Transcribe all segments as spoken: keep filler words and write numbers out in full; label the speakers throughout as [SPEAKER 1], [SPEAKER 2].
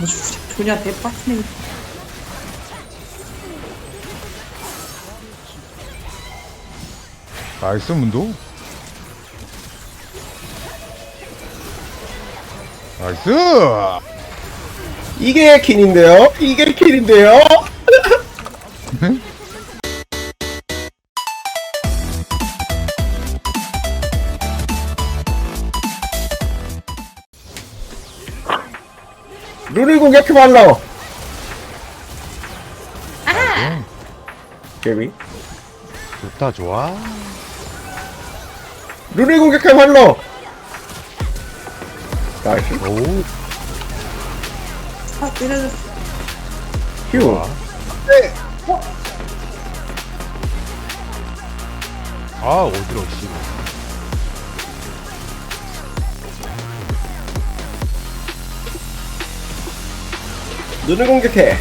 [SPEAKER 1] 조냐 대박이네.
[SPEAKER 2] 나이스 문도. 나이스.
[SPEAKER 3] 이게 킨인데요? 이게 킨인데요? 룰을 공격해 말라.
[SPEAKER 1] 아!
[SPEAKER 3] 개미.
[SPEAKER 2] 좋다 좋아.
[SPEAKER 3] 룰을 공격해 말라. 나이스.
[SPEAKER 2] 오.
[SPEAKER 1] 아, 때려줬어.
[SPEAKER 3] 휴.
[SPEAKER 2] 네. 아 어지러워 씨.
[SPEAKER 3] 룰을 공격해.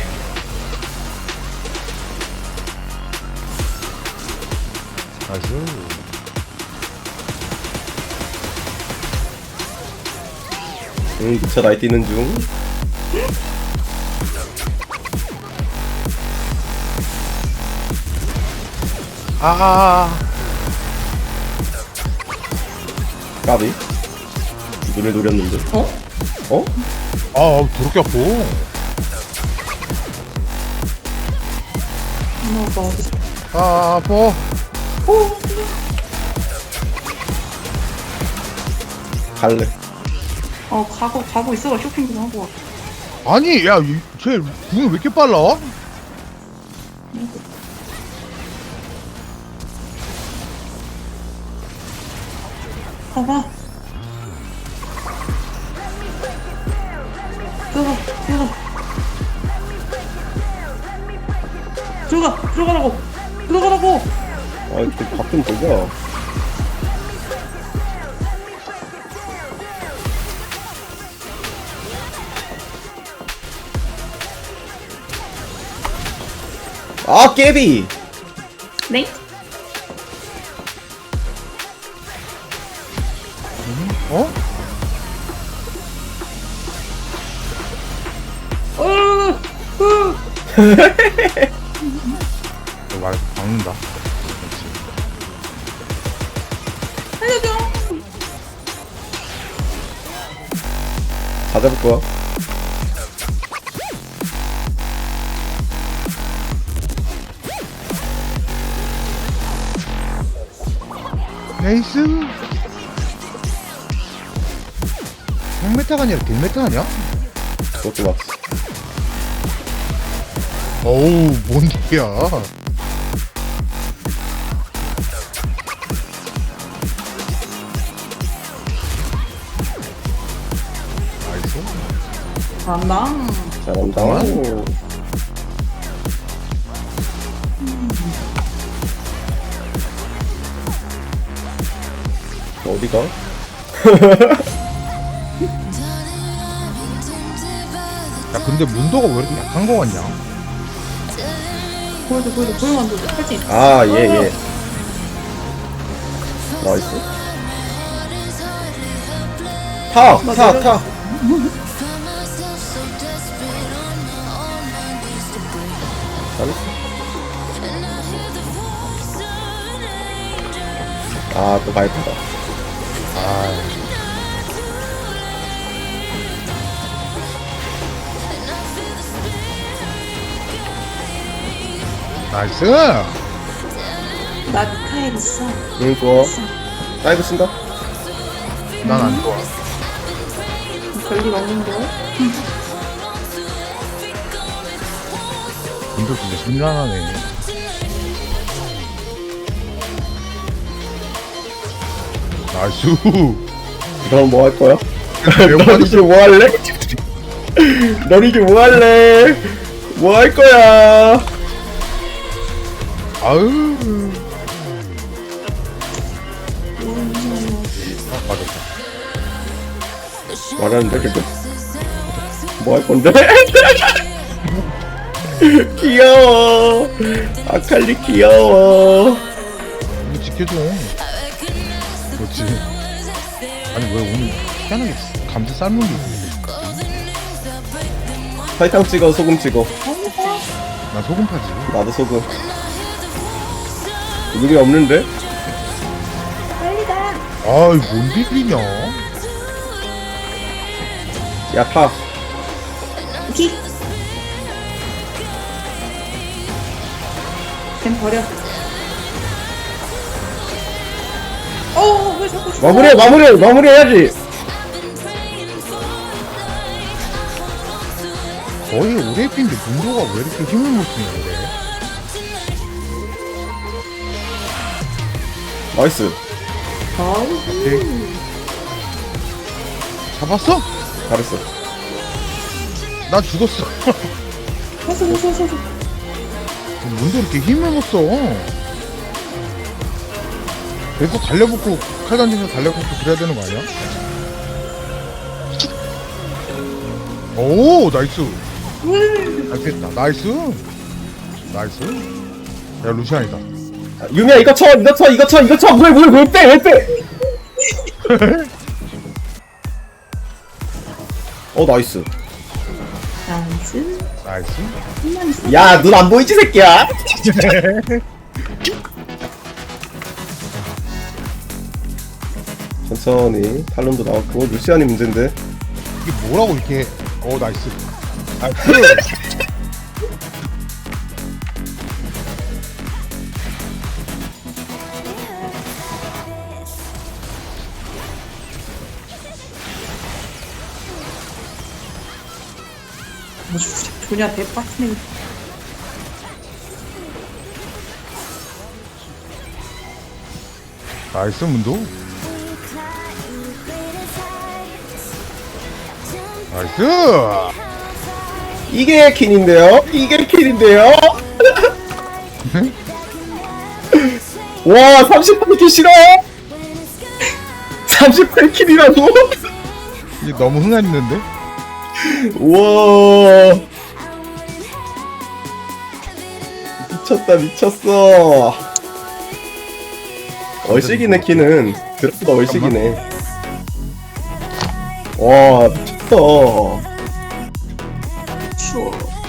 [SPEAKER 2] 나이스.
[SPEAKER 3] 응, 미쳐 나이 뛰는 중.
[SPEAKER 2] 아.
[SPEAKER 3] 까비. 눈을 노렸는데.
[SPEAKER 1] 어?
[SPEAKER 3] 어?
[SPEAKER 2] 아 더럽게 아파.
[SPEAKER 1] 엄마, 나 어디서.
[SPEAKER 2] 아 아파.
[SPEAKER 1] 오!
[SPEAKER 3] 갈래.
[SPEAKER 1] 어, 가고, 가고 있어봐. 쇼핑 좀 하고 와.
[SPEAKER 2] 아니 야쟤 궁이 왜 이렇게 빨라?
[SPEAKER 1] 가봐. 들어가, 들어가. 들어가, 들어가라고. 들어가라고.
[SPEAKER 3] 아, 좀밥좀 보자. 아, 깨비!
[SPEAKER 1] 네?
[SPEAKER 2] 어?
[SPEAKER 1] 어, 어.
[SPEAKER 2] 너 말 박는다. 그렇지.
[SPEAKER 1] 살려줘.
[SPEAKER 3] 다 잡을 거야.
[SPEAKER 2] 나이스. 백 메타가 아니라 백 메타 아니야?
[SPEAKER 3] 그것도 맞어.
[SPEAKER 2] 어우 뭔 개야. 나이스.
[SPEAKER 1] 잘한다.
[SPEAKER 3] 잘한다. 어디가?
[SPEAKER 2] 야 근데 문도가 왜 이렇게 약한 거 같냐?
[SPEAKER 1] 보여줘, 보여줘, 보여만 보여줘. 팔찌.
[SPEAKER 3] 아, 예, 예. 나이스. 타! 타! 타! 잘했어. 아, 또 발표다.
[SPEAKER 2] 아 나이스.
[SPEAKER 1] 나 미카엘 있어.
[SPEAKER 3] 응, 좋아. 다이브 쓴다?
[SPEAKER 2] 난 안 좋아.
[SPEAKER 1] 별일 없는데?
[SPEAKER 2] 문도 진짜 심란하네. 나이스.
[SPEAKER 3] 그럼 뭐 할 거야?
[SPEAKER 2] 매운맛이
[SPEAKER 3] 넌 이제 뭐 할래? 넌 이제 뭐 할래? 뭐 할 거야?
[SPEAKER 2] 아유. 아 맞았다.
[SPEAKER 3] 말하는데, 근데? 뭐 할 건데? 귀여워. 아칼리 귀여워.
[SPEAKER 2] 이거 지켜줘. 그렇지. 아니 왜 오늘 희한하게 감자 삶은 게 있어.
[SPEAKER 3] 설탕 찍어 소금 찍어.
[SPEAKER 2] 나 소금 파지.
[SPEAKER 3] 나도 소금. 누구이 없는데?
[SPEAKER 2] 아이 뭔 비비냐?
[SPEAKER 3] 야 타.
[SPEAKER 1] 킥. 걘 버려. 어, 왜 자꾸 죽어?
[SPEAKER 3] 마무리해 마무리해 마무리해야지.
[SPEAKER 2] 거의 오래핀데 문도가 왜 이렇게 힘을 못 쓰냐 그래?
[SPEAKER 3] 나이스.
[SPEAKER 2] 오케이. 잡았어?
[SPEAKER 3] 잘했어.
[SPEAKER 2] 나 죽었어.
[SPEAKER 1] 왔어, 왔어, 왔어, 왔어.
[SPEAKER 2] 문도 이렇게 힘을 못 써. 계속 달려붙고 칼 던지면서 달려붙고 그래야 되는 거 아니야? 오 나이스. 알겠다. 나이스. 나이스. 야 루시안이다.
[SPEAKER 3] 유미야 이거 쳐 이거 쳐 이거 쳐 이거 쳐. 왜왜왜빼왜 빼? 어 나이스.
[SPEAKER 1] 나이스.
[SPEAKER 2] 나이스.
[SPEAKER 1] 힘만 있어.
[SPEAKER 3] 야 눈 안 보이지 새끼야? 천천히 탈론도 나왔고 루시안이 문제인데.
[SPEAKER 2] 이게 뭐라고 이렇게. 어 나이스. 나이스.
[SPEAKER 1] 뭐 조- 조냐 대박이네.
[SPEAKER 2] 나이스 문도. 나이스.
[SPEAKER 3] 이게 킨인데요? 이게 킨인데요? 와 삼십팔 킬 싫어요? 삼십팔 킬이라고?
[SPEAKER 2] 이게 너무 흥한있는데?
[SPEAKER 3] 우와 미쳤다 미쳤어. 얼씨기네 키는. 그래도 얼씨기네. 와 미쳤어.
[SPEAKER 1] 추워.